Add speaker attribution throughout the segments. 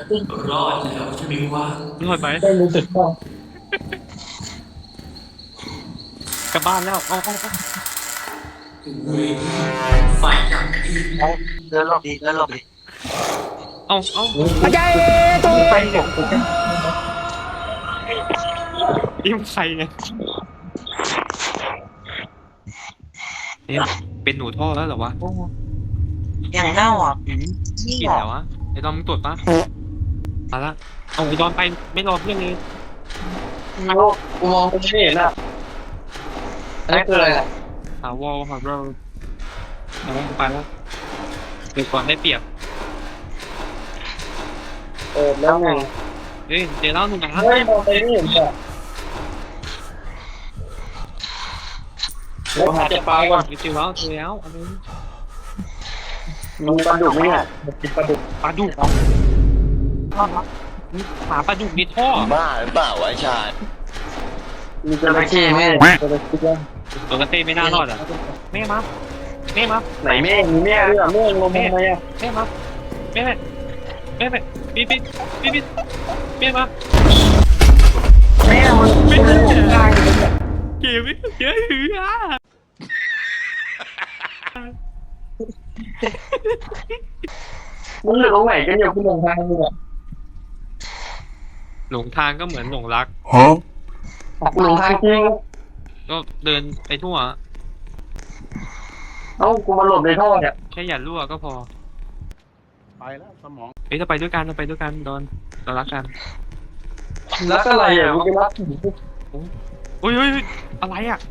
Speaker 1: รอดแล้วใช่ไหมวะ
Speaker 2: รอดไป
Speaker 3: ได้รู้สึกว่
Speaker 2: กลับบ้านแล้วเอา
Speaker 1: เว้ยไฟดับอีก
Speaker 4: เอาเดินหลบดิเดินหลบดิ
Speaker 2: เอา
Speaker 3: อาจารย์ตัวไปตก
Speaker 2: อิ่มใครเนี่ยเป็นหนูท่อแล้วเหรอวะ
Speaker 4: อย่างเน่าอ่ะ
Speaker 2: กินแล้ววะไอ้ดอมมึงตรวจปะมาละเอาไอ้ดอมไปไม่รอเพื่อนเลย
Speaker 3: กูมองไม่เห็นอ่ะอันนี้คืออะไรอ่ะ
Speaker 2: หาวอลหาเราเอาไปแล้วเดี๋ยวก่อนได้เปรียบ
Speaker 3: แล้วไง
Speaker 2: เฮ้ยเดี๋ยวเล่าหนึ่งนะ
Speaker 3: เฮ้ยมองไปไม่เห็นอ่ะเราหาจะไปก่อน
Speaker 2: เจอแล้วอันนี้
Speaker 3: มึงปลาดุกไหมเนี่ยกินปลาดุก
Speaker 2: ปลาดุกหาปลาดุกในท่อ
Speaker 4: บ้าหรือเปล่าวะชาติ
Speaker 3: มีจระเข้ไหมจระเข้
Speaker 2: ตัวกระเต้ไม่น่ารอดอ่ะแม่มา
Speaker 3: ไหนแม่มีแม่ด้วยอ่ะแม่งงทำไมอ่ะ
Speaker 2: แม่มาแม่ปีแม่มา
Speaker 3: แม่มัน
Speaker 2: ไม่ได้เก็บเยอะหืออ่ะ
Speaker 3: มึงเหลือตรงไหนกันอยู่คุณหลงทางมึงอ่ะ
Speaker 2: หลงทางก็เหมือนหลงรัก
Speaker 3: หลงทางจริง
Speaker 2: ก็เดินไปทั่ว
Speaker 3: เอ้ากูมาหลบในท่อเนี่ย
Speaker 2: แค่อย่ารั่วก็พอ
Speaker 5: ไปแล้วสมอง
Speaker 2: เอ้ยจะไปด้วยกันดอนเรารักกัน
Speaker 3: รักอะไรอ่ะมึงไปรัก
Speaker 2: โอ้ยอะไรอ่ะ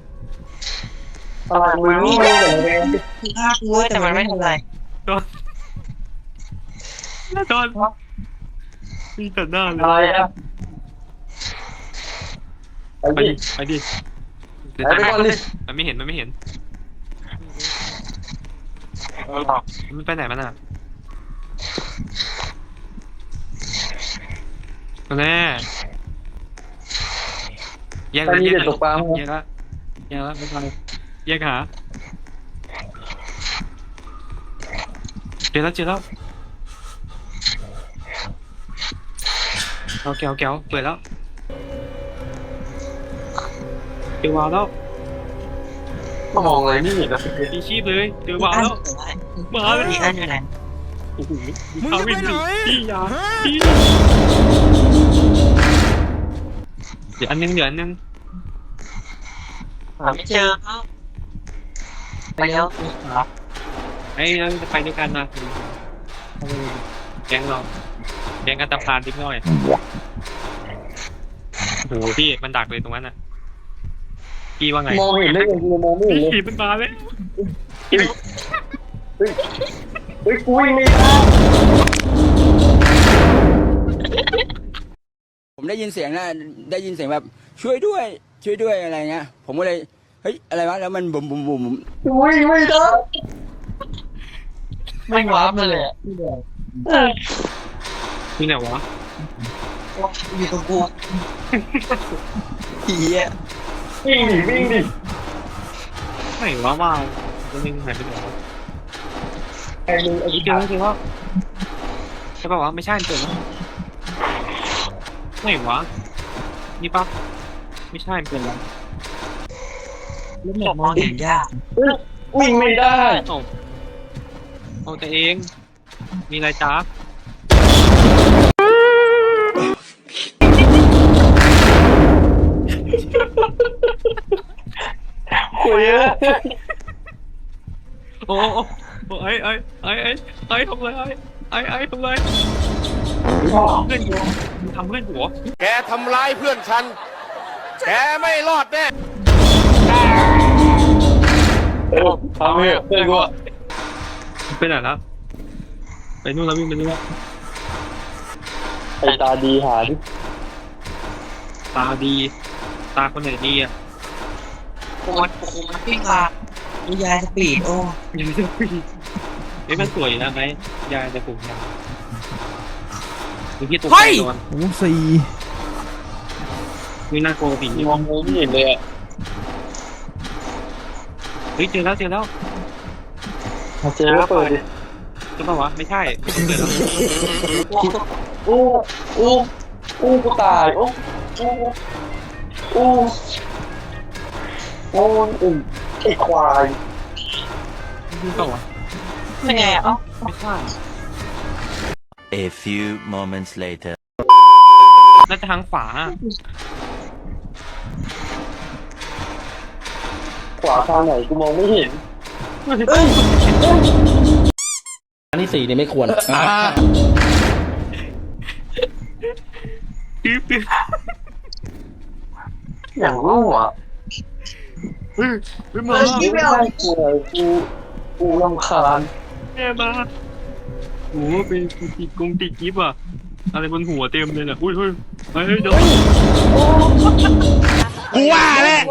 Speaker 3: อะไรมึงนี่มึงอย่างไร
Speaker 4: น่ากลัวแต่มันไม่ทำอะไร
Speaker 2: ดอนมีแต่หน้าเลย
Speaker 3: อะไรอ่ะ
Speaker 2: ไปดิเดี๋ยวมันไม่เห็นมันไปไหนมันอ่ะแน่แยกเลย
Speaker 3: ตกปลา
Speaker 2: แยกแล้วไม่ทันแยกหาเจอแล้วเอาแก้วเปิดแล้วเจอวาวแล้ว
Speaker 3: มองอะไรนี่นะ
Speaker 2: มีชีพเลยเจอวาวแล้วมาเลย
Speaker 4: มีอันอยู่ไหน
Speaker 2: โอ้โหมึงจะไปไหนพี่ยาเดี๋ยวอันนึง
Speaker 4: ไม่เจอไปแล้ว
Speaker 2: ไอ้เราจะไปด้วยกันนะแกงกันตะพานทิ้งหน่อยโอ้โหพี่มันดักเลยตรงนั้นน่ะพี่ว่าไง
Speaker 3: มองเห็นได้ยังไงมองไม่เห็นเลย
Speaker 2: มันมาเลย
Speaker 3: เฮ้ยกูไม่ได้
Speaker 6: ผมได้ยินเสียงแบบช่วยด้วยอะไรเงี้ยผมก็เลยเฮ้ยอะไรวะแล้วมันบุ๋ม
Speaker 3: อุ้ยไม่ได้
Speaker 4: ไม่วาร์ปมาเลย
Speaker 2: ที่ไหนวะ
Speaker 4: อยู่กับกูเฮีย
Speaker 3: วิ่งดิ
Speaker 2: ไหนวะมาตัวนึงหายไปไหนวะ
Speaker 3: ไอ้มึงไอ้
Speaker 2: เจอว่าใช่ป่าวะไม่ใช่เจอแล้วไหนวะนี่ปะไม่ใช่เป็นแล้ว
Speaker 4: มองเห็นยาก
Speaker 3: วิ่งไม่ได้
Speaker 2: เอาแต่เองมีอะไรจ้า
Speaker 3: คุยอะ
Speaker 2: โอ้ไอ้ทำไรไอ้ทำไรเพื่อนหัวทำเพื่อนหัว
Speaker 5: แกทำร้ายเพื่อนฉันแกไม่รอดแน่
Speaker 3: ทำเพื่อนกู
Speaker 2: ไปไหนแล้วไปนู่นแล้ววิ่งไปนู่นแล้ว
Speaker 3: ไอ้ตาดีหาดิ
Speaker 2: ตาดีตาคนไหนดีอ่ะ
Speaker 4: โอ้มันปิ้งมาดูยายสปีดโอ้
Speaker 2: ยายจะปีนี่มันสวยนะไหมยายจะปลูกยาดูที่ตัวโอ้สี่นี่น่ากลัวผี
Speaker 3: มองไม่เห็นเลยอ่ะ
Speaker 2: เฮ้ยเจอแล้ว
Speaker 3: เจอแล้วเปิดดิ
Speaker 2: ใช่ปะวะไม่ใช่เกิดแล้ว
Speaker 3: อู้อู้อู้กูตายอู้อู้อู้อู้อู้ไอ้ควาย
Speaker 2: ใช่ปะวะ
Speaker 4: เป็นไงอ่ะ
Speaker 2: ไม่ใช่
Speaker 7: A few moments later.
Speaker 2: น่าจะทางขวา
Speaker 3: ขวาทางไหนกูมองไม่เห็น
Speaker 1: อันที่สี่นี่ไม่ควร
Speaker 2: ปิ๊บปิ๊บ
Speaker 3: อย่างรู้อ่ะ
Speaker 2: เฮ้ยมา
Speaker 3: ไม่ได้กลัวกูรำคาญ
Speaker 2: แม่มาโอ้เป็นติดกงติดกิ๊บอ่ะอะไรบนหัวเต็มเลยน่ะอุ้ยเฮ้ยเฮ้ยเดี๋ยว
Speaker 5: กูว่าแหละ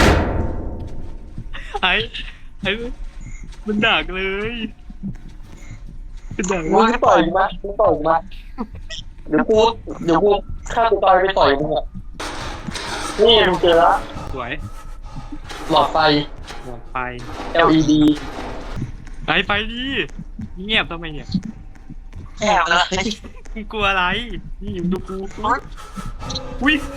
Speaker 2: ไอ้มันดักเลยมันดัก
Speaker 3: มึงต่อยมามึงต่อยมาเดี๋ยวกูฆ่าตัวตายไปต่อยมึงอ่ะนี่มึงเจอละ
Speaker 2: สวย
Speaker 3: หลอดไฟ
Speaker 2: หมดไป
Speaker 3: LED
Speaker 2: ไปดิเงียบทำไมเนี่ย
Speaker 4: แอบเลย
Speaker 2: มึงกลัวอะไรนี่ดูกูอุ้ย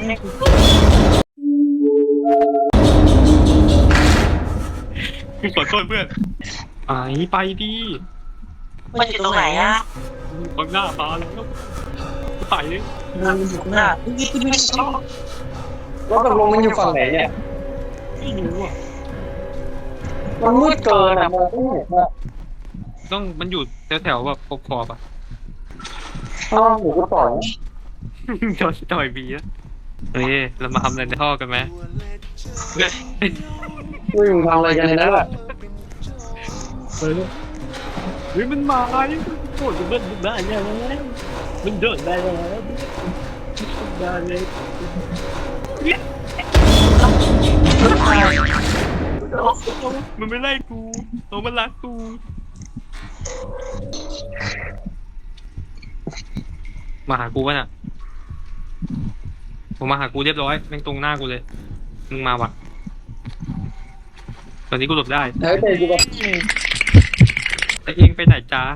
Speaker 2: ขอโทษเพื่อนไปดิ
Speaker 4: มันอยู่ตรงไหนอ่ะ
Speaker 2: ตรงหน้าตาแล้วไปเลย
Speaker 4: มันอยู่ข้างหน้านี่กูไม่ชอบ
Speaker 3: แล้วตกลงมันอยู่ฝั่งไหนเนี่ย
Speaker 2: ไม่รู้อ่ะ
Speaker 3: มันมืดเกินอ่ะมองไม่เห็นอ่ะ
Speaker 2: มันอยู่แถวแบบขอบอ่ะ
Speaker 3: ถ้าหนูก็ต่อย
Speaker 2: โดนต่อยบีแล้วเฮ้ยเรามาทำอะไรในท่อกันไหม
Speaker 3: มึงทำอะไรกันในนั้นอ่ะ
Speaker 2: เฮ้ยมันมาไอ้โคตรมันได้ยังไงมันเดินได้แล้วได้เลยมันไม่ไล่กูมันรักกูมาหากูวะน่ะผมมาหากูเรียบร้อยแม่งตรงหน้ากูเลยมึงมาว่ะตอนนี้กูหลบได้
Speaker 3: เฮ้ยเตะกูแบบ
Speaker 2: แต่เองไปไหนจ้า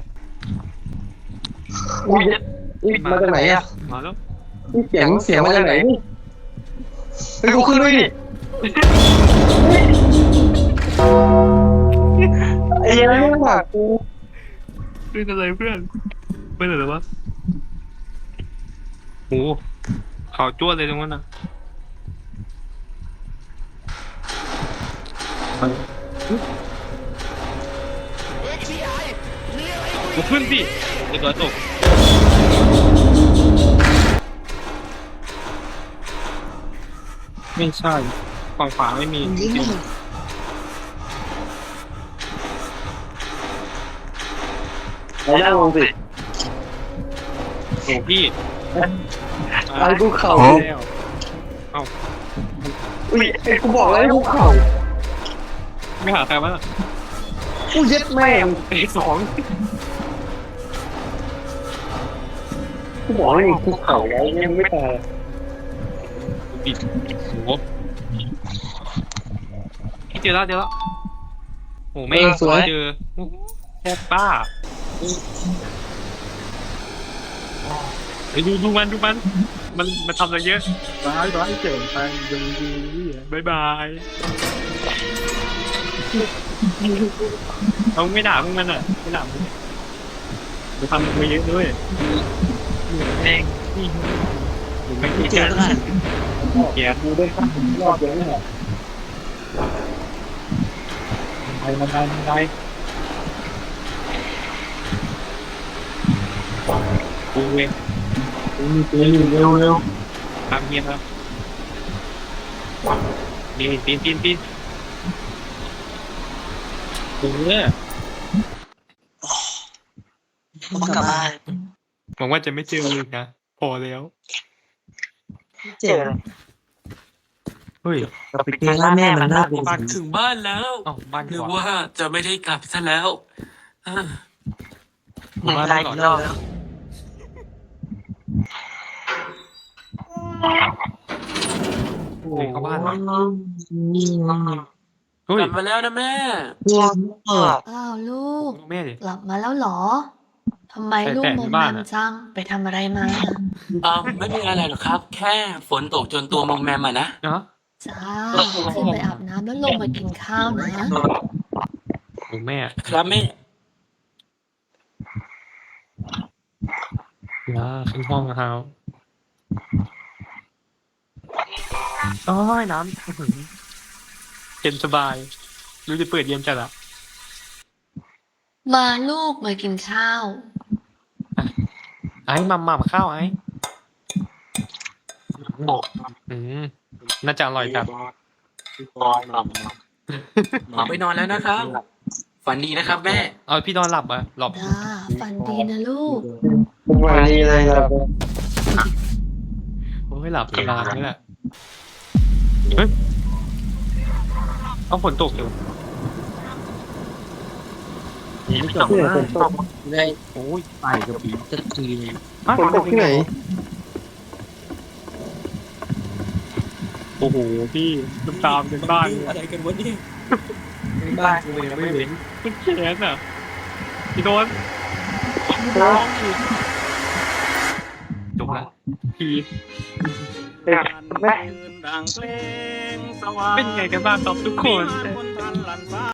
Speaker 3: อุ้ยมาจากไหนอ่ะ
Speaker 2: มาแล้ว
Speaker 3: เสียงมาจากไหนเฮ้ยกูขึ้นด้วยดิไอ้ยังไม่ผ่ากู
Speaker 2: เป็นอะไรเพื่อนเป็นอะไรวะโหข่าวจ้วเลยตรงนั้นนะกูขึ้นสิเดี๋ยวตกไม่ใช่ฝั่งขวาไม่มีจริง
Speaker 3: ไหนนั่งลงสิ
Speaker 2: โอ้พี่
Speaker 3: ไอ้กูเข่า
Speaker 2: แล้วเอ้า
Speaker 3: อุ้ยไอ้กูบอกแล้วไอ้กูเข่า
Speaker 2: ไม่หาใครวะ
Speaker 3: กูเย็ดแม่ง
Speaker 2: ไอ้สอง
Speaker 3: กูบอกแล้วกูเข่าแล้วยังไม่ตาย
Speaker 2: ปิดโหเจอแล้วโอ้ไม่เจอแค่ป้าไปดูมันมันทำอะไรเยอะร้ายเจ๋งไปดูบายบายเขาไม่ด่าพวกมันอ่ะไม่ด่ามันไปทำมันเยอะด้วยแม่งนี่ไม่คิดจะเกียร์
Speaker 3: กูได้ข้ามรอบเยอะเนี่ย
Speaker 2: มันได้กูเอง
Speaker 3: กูมีเตือนอยู่เร็ว
Speaker 2: ทำเงียบครับปีนกูเนี่ย
Speaker 4: ผมกลับบ้าน
Speaker 2: หวังว่าจะไม่เจอเลยนะพอแล้ว
Speaker 4: เจอเลย
Speaker 2: เฮ้ย
Speaker 4: เราไปเจอหน้าแม่มันน่ากลัว
Speaker 1: ปัดถึงบ้านแล้ว
Speaker 2: อ๋อบ้าน
Speaker 1: นึก
Speaker 2: ก่อน
Speaker 1: ว่าจะไม่ได้กลับซะแล้วอ่า
Speaker 4: มันไล่กี่รอบแล้ว
Speaker 2: เฮ้ยเข้าบ้านวะ
Speaker 4: นี่
Speaker 2: เฮ้ย
Speaker 1: กลับมาแล้วนะแม่
Speaker 4: อ้าวลูก
Speaker 2: แม่ดิ
Speaker 4: กลับมาแล้วเหรอทำไมลูก
Speaker 2: ใส่แปะ
Speaker 4: ม
Speaker 2: ใน
Speaker 4: อม
Speaker 2: บ้า
Speaker 4: แม
Speaker 2: น
Speaker 4: ม
Speaker 2: อะ
Speaker 4: จังไปทำอะไรมา
Speaker 1: ไม่มีอะไรหรอกครับ แค่ฝนตกจนตัวมอมแมมอะนะ
Speaker 2: เนาะ
Speaker 4: จ้าขึ้นไปอาบน้ำแล้วลงมากินข้าวนะ
Speaker 2: โอ้แม่
Speaker 1: ครับแม่
Speaker 2: ขึ้นห้องนะครับโอ้ยน้ำอื้อหือเย็นสบายรู้จะเปิดเย็นจัดอะ
Speaker 4: มาลูกมากินข้าว
Speaker 2: ไอ้หม่ำข้าวไอ้อืมน่าจะอร่อยจัด
Speaker 1: ขอไปนอนแล้วนะครับ ฝันดีนะครับแม่
Speaker 2: เอาพี่นอนหลับอ่ะหลับ
Speaker 4: จ้าฝันดีนะลูก
Speaker 3: วันนี้เลยครับ
Speaker 2: โอ้ยหลับสบายนี่แหละเฮ้ยเอาฝนตกอยู่
Speaker 1: ไม่ตกนะ
Speaker 3: ได้
Speaker 2: โอ้ย
Speaker 1: ไปกับผีจะที
Speaker 3: ฝนตกที่ไหน
Speaker 2: โอ้โหพี่ตามกันบ้านเลย
Speaker 1: อะไรกันวะเนี่ย
Speaker 2: บ้านเลยไม่เห็นคุณแขนอ่ะพี่โดนจบละพี่เป็นไงกันบ้างครับทุกคน